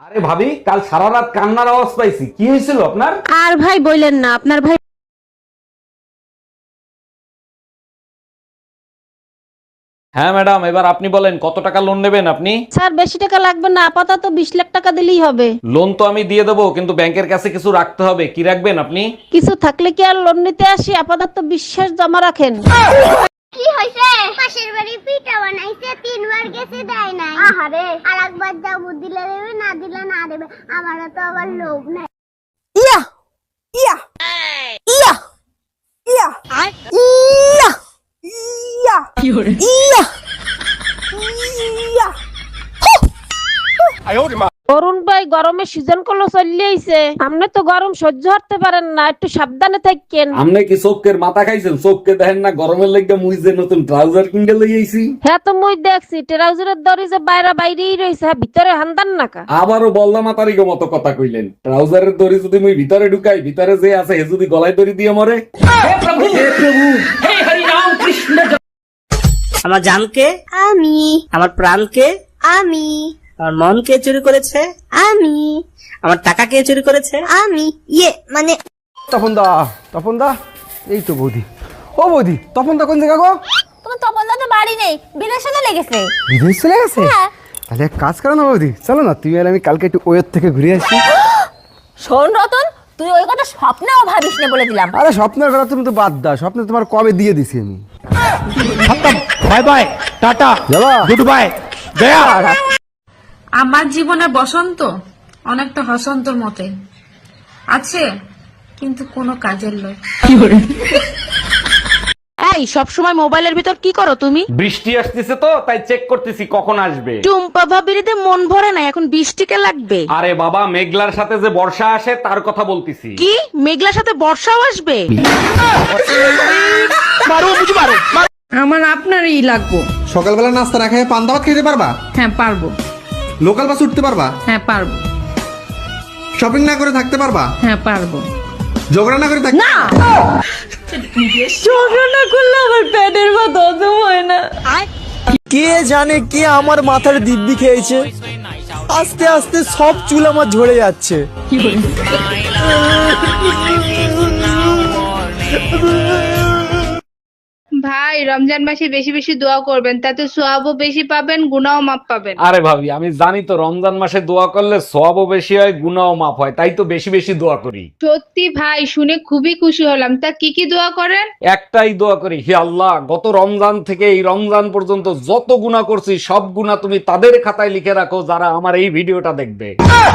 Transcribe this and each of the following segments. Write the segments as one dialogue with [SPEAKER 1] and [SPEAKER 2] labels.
[SPEAKER 1] আরে ভাবি, কাল সারা রাত কান্নার আওয়াজ পাইছি, কি হয়েছিল আপনার?
[SPEAKER 2] আর ভাই বললেন না, আপনার ভাই
[SPEAKER 1] হ্যাঁ ম্যাডাম, এবার আপনি বলেন কত টাকা লোন নেবেন আপনি?
[SPEAKER 2] স্যার বেশি টাকা লাগবে না, আপাতত 20 লাখ টাকা দিলেই হবে।
[SPEAKER 1] লোন তো আমি দিয়ে দেবো, কিন্তু ব্যাংকের কাছে কিছু রাখতে হবে। কি রাখবেন আপনি?
[SPEAKER 2] কিছু থাকলে কি আর লোন নিতে আসি? আপাতত বিশ্বাস জমা রাখেন।
[SPEAKER 3] কি হইছে? পাশের বাড়ি পিঠা বানাইছে, 3 বার গেছে দেয় নাই। আহারে, আরেকবার যাবো, দিলে দেবে, না দিলে না দেবে। আমারও তো আবার লোভ নাই।
[SPEAKER 4] ইয়া ইয়া ইয়া ইয়া ইয়া ইয়া ইয়া ইয়া
[SPEAKER 2] অরুণ ভাই, গরমে সিজন কলো চলে আইছে, আপনি তো গরম সহ্য করতে পারেন না, একটু সাবধানে থাকেন।
[SPEAKER 1] আপনি কি চোখের মাথা খাইছেন? চোখকে দেখেন না গরমের লেগে মুই যে নতুন ট্রাউজার কিনতে লই আইছি।
[SPEAKER 2] হ্যাঁ তো মুই দেখছি ট্রাউজারের দড়ি যে বাইরেই রয়েছে, হ্যাঁ ভিতরে হান্দান নাকা।
[SPEAKER 1] আবারও বললা মাতারিগো মতো কথা কইলেন। ট্রাউজারের দড়ি যদি মুই ভিতরে ঢুকাই, ভিতরে যে আছে হে যদি গলায় দড়ি দিয়ে মরে।
[SPEAKER 5] আমার জানকে,
[SPEAKER 3] আমি
[SPEAKER 5] আমার প্রাণকে,
[SPEAKER 3] আমি
[SPEAKER 5] আমার মন কে চুরি করেছে,
[SPEAKER 3] আমি
[SPEAKER 5] আমার টাকা কে চুরি করেছে?
[SPEAKER 3] আমি মানে
[SPEAKER 6] তপন দা এই তো বৌদি। ও বৌদি, তপন দা কোন জায়গা গো?
[SPEAKER 3] তোমার তপনদা তো বাড়ি নেই, বিদেশে চলে গেছে।
[SPEAKER 6] বিদেশ চলে গেছে?
[SPEAKER 3] হ্যাঁ।
[SPEAKER 6] তাহলে এক কাজ করো না বৌদি, চলো না তুমি আর আমি কালকে একটু ওয়ের থেকে ঘুরে আসি।
[SPEAKER 3] শোন রতন, তুই ওই কথা স্বপ্নেও ভাবিস না, বলে দিলাম।
[SPEAKER 6] আরে স্বপ্নের কথা তুমি তো বাদ দাও, স্বপ্নে তোমার কবে দিয়ে দিছি আমি।
[SPEAKER 7] বাই বাই, টাটা,
[SPEAKER 6] যাবা?
[SPEAKER 7] গুড বাই, গয়া।
[SPEAKER 8] আমার জীবনে বসন্ত অনেকটা হসন্তর মতে আছে, কিন্তু কোনো কাজের লয়।
[SPEAKER 2] এই সবসময় মোবাইলের ভিতর কি করো তুমি?
[SPEAKER 1] বৃষ্টি আসতেছে তো, তাই চেক করতেছি কখন আসবে।
[SPEAKER 2] টুম্পা ভাবিরিতে মন ভরে না, এখন বৃষ্টিকে লাগবে।
[SPEAKER 1] আরে বাবা, মেঘলার সাথে যে বর্ষা আসে তার কথা বলতেছি।
[SPEAKER 2] কি মেঘলার সাথে বর্ষাও আসবে?
[SPEAKER 8] আমার আপনারই লাগবো।
[SPEAKER 9] সকালবেলা নাস্তা না খেয়ে পান্তা ভাত খেতে পারবা?
[SPEAKER 8] হ্যাঁ পারবো।
[SPEAKER 9] লোকাল বাস উঠতে পারবা?
[SPEAKER 8] হ্যাঁ পারবো।
[SPEAKER 9] শপিং না করে থাকতে পারবা?
[SPEAKER 8] হ্যাঁ পারবো।
[SPEAKER 9] ঝগড়া না করে থাকতে
[SPEAKER 8] না, ঝগড়া না করলে আমার পেটের ভাত হজম হয় না।
[SPEAKER 4] কে জানে কে আমার মাথার দিব্যি খেয়েছে, আস্তে আস্তে সব চুল আমার ঝরে যাচ্ছে।
[SPEAKER 8] ভাই, রমজান মাসে বেশি বেশি দোয়া করবেন, তাতে সোয়াবও বেশি পাবেন, গুনাহও মাপ পাবেন।
[SPEAKER 1] আরে ভাবি, আমি জানি তো রমজান মাসে দোয়া করলে সওয়াবও বেশি হয়, গুনাহও মাফ হয়, তাই তো বেশি বেশি দোয়া করি।
[SPEAKER 8] সত্যি ভাই, শুনে খুবই খুশি হলাম। তা কি কি দোয়া করেন?
[SPEAKER 1] একটাই দোয়া করি, হে আল্লাহ, গত রমজান থেকে এই রমজান পর্যন্ত যত গুনাহ করছি সব গুনাহ তুমি তাদের খাতায় লিখে রাখো যারা আমার এই ভিডিওটা দেখবে।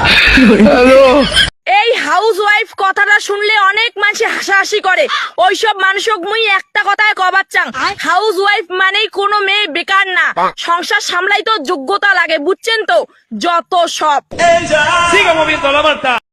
[SPEAKER 10] এই হাউস ওয়াইফ কথাটা শুনলে অনেক মানুষ হাসাহাসি করে, ওইসব মানুষক মুই একটা কথায় কবার চাং, হাউস ওয়াইফ মানেই কোনো মেয়ে বেকার না, সংসার সামলাই তো যোগ্যতা লাগে, বুঝছেন তো? যত সব